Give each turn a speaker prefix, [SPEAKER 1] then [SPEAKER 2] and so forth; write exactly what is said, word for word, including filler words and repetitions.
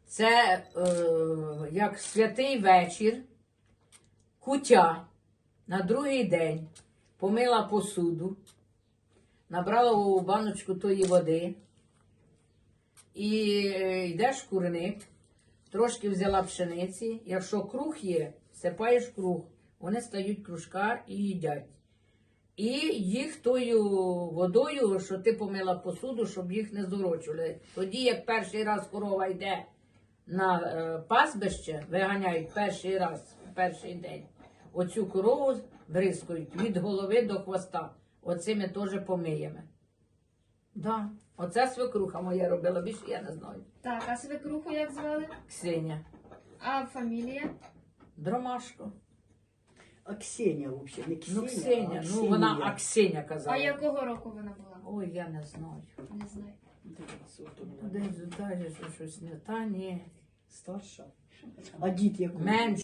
[SPEAKER 1] Це е, як святий вечір, куття на другий день помила посуду, набрала у баночку тої води і йдеш в курник, трошки взяла пшениці. Якщо круг є, сипаєш круг, вони стають кружка і їдять. І їх тою водою, що ти помила посуду, щоб їх не зорочували. Тоді, як перший раз корова йде на е, пастбище, виганяють перший раз, перший день, оцю корову бризкають від голови до хвоста. Оце ми теж помиємо. Да. Оце свекруха моя робила, більше я не знаю.
[SPEAKER 2] Так, а свекруху як звали?
[SPEAKER 1] Ксеня.
[SPEAKER 2] А фамілія?
[SPEAKER 1] Дромашко.
[SPEAKER 3] А Ксеня взагалі, не Ксеня,
[SPEAKER 1] Ну, Ксеня,
[SPEAKER 3] а
[SPEAKER 1] ну
[SPEAKER 3] Ксенія.
[SPEAKER 1] вона Аксеня казала.
[SPEAKER 2] А якого року вона була?
[SPEAKER 1] Ой, я не знаю.
[SPEAKER 2] Не знаю.
[SPEAKER 3] Дивись, от вона.
[SPEAKER 1] Десь далі щось не та, ні.
[SPEAKER 3] Старша. А дід який?
[SPEAKER 1] Менше.